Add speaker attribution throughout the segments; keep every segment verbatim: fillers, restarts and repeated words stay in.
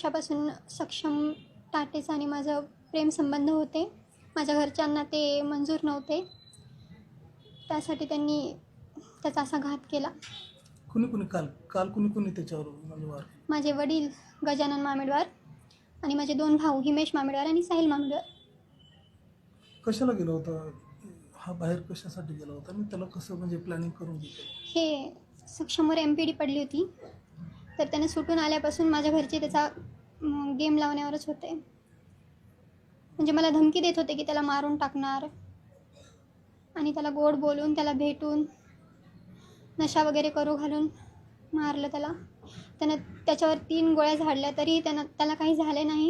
Speaker 1: वर्षापासून सक्षम टाटेचा आणि माझं प्रेमसंबंध होते. माझ्या घरच्यांना ते मंजूर नव्हते. त्यासाठी त्यांनी त्याचा असा घात केला.
Speaker 2: कुणी कुणी काल काल कुणी कुणी त्याच्यावर म्हणजे वार केला?
Speaker 1: माझे वडील गजानन मामेडवार आणि माझे दोन भाऊ हिमेश मामेडवार आणि साहिल मामेडवार.
Speaker 2: कशाला गेला होता हा, बाहेर कशासाठी गेला होता आणि त्याला कसं म्हणजे प्लॅनिंग करून घेतलं?
Speaker 1: हे सक्षमवर एम पी डी पडली होती, तर त्याने सुटून आल्यापासून माझ्या घरचे त्याचा गेम लावण्यावरच होते. म्हणजे मला धमकी देत होते की त्याला मारून टाकणार आणि त्याला गोड बोलून त्याला भेटून नशा वगैरे करू घालून मारलं त्याला. त्यानं त्याच्यावर तीन गोळ्या झाडल्या तरी त्यानं त्याला काही झाले नाही.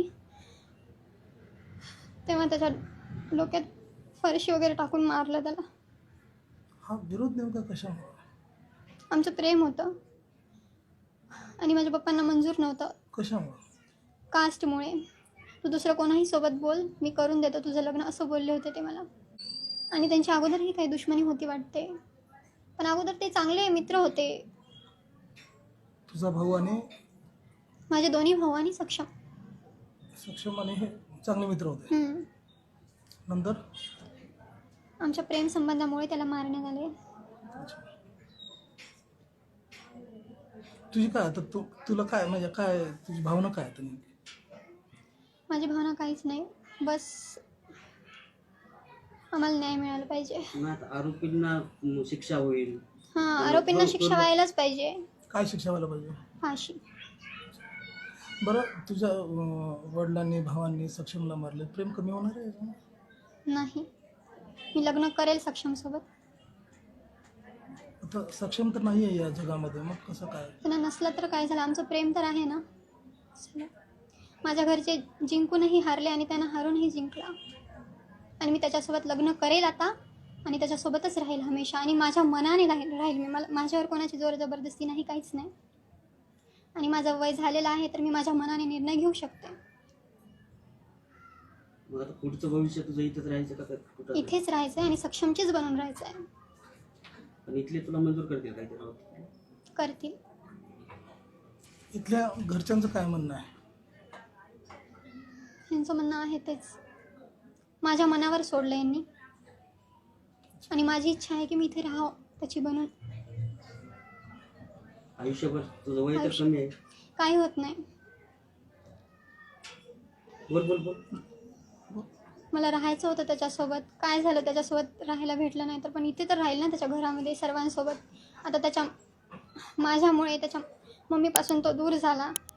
Speaker 1: तेव्हा त्याच्या डोक्यात फरशी वगैरे टाकून मारलं त्याला.
Speaker 2: हा विरोध नेमका कशामुळे?
Speaker 1: आमचं प्रेम होतं आणि माझ्या पप्पांना मंजूर नव्हतं.
Speaker 2: कशामुळे?
Speaker 1: कास्टमुळे. तू दुसरं कोणाही सोबत बोल, मी करून देतो तुझं लग्न, असं बोलले होते ते मला. आणि त्यांच्या अगोदरही काही दुश्मनी होती वाटते, पण अगोदर ते चांगले मित्र होते.
Speaker 2: तुझा भाऊ आणि
Speaker 1: माझे दोन्ही भाऊ आणि सक्षम
Speaker 2: सक्षम आणि हे चांगले मित्र होते.
Speaker 1: हम्म.
Speaker 2: नंतर
Speaker 1: आमच्या प्रेम संबंधामुळे त्याला मारण्यात आले.
Speaker 2: तुझी काय आता तू तुला काय म्हणजे काय तुझी भावना काय आता नेमकी?
Speaker 1: माझी भावना काहीच नाही, बस आम्हाला न्याय मिळाला पाहिजे.
Speaker 3: मग आता आरोपींना म, शिक्षा होईल.
Speaker 1: हां, आरोपींना शिक्षा व्हायलाच पाहिजे.
Speaker 2: काय शिक्षा व्हायला पाहिजे?
Speaker 1: फाशी.
Speaker 2: बरं, तुझ्या अं, वडिलांनी भावांनी सक्षमला मारले, प्रेम कमी होणार आहे याच्यानं?
Speaker 1: नाही, मी लग्न करेल सक्षमसोबत.
Speaker 2: आता सक्षम तर नाही आहे या जगामध्ये, मग कसं काय?
Speaker 1: त्यांना नसलं तर काय झालं, आमचं प्रेम तर आहे ना. चला. माझ्या घरचे जिंकूनही हारले आणि त्यांना हारूनही जिंकला. आणि मी त्याच्यासोबत लग्न करेल आता आणि त्याच्यासोबतच राहील हमेशा. आणि माझ्या मनाने राहील राहील मी. मला माझ्यावर कोणाची जोर जबरदस्ती नाही, काहीच नाही. आणि माझं वय झालेलं आहे तर मी माझ्या मनाने निर्णय घेऊ शकते.
Speaker 3: मग आता पुढचं भविष्य तुझं इथंच राहायचं का का कुठं?
Speaker 1: इथेच राहायचं आहे आणि सक्षमचीच बनून राहायचं आहे.
Speaker 3: आणि इथले तुला मंजूर करतील काय ते राहत?
Speaker 1: करतील.
Speaker 2: इथल्या घरच्यांचं काय म्हणणं आहे?
Speaker 1: यांचं म्हणणं आहे तेच, माझ्या मनावर सोडलं यांनी. आणि माझी इच्छा आहे की मी इथे राहावं त्याची बनून.
Speaker 3: आयुष्यभर तुझं वय तर
Speaker 1: आयुष्य-
Speaker 3: कमी आहे.
Speaker 1: काही होत नाही.
Speaker 3: बोल बोल बोल.
Speaker 1: मला राहायचं होतं त्याच्यासोबत. काय झालं, त्याच्यासोबत राहायला भेटलं नाही तर, पण इथे तर राहील ना त्याच्या घरामध्ये सर्वांसोबत. आता त्याच्या माझ्यामुळे त्याच्या मम्मीपासून तो दूर झाला.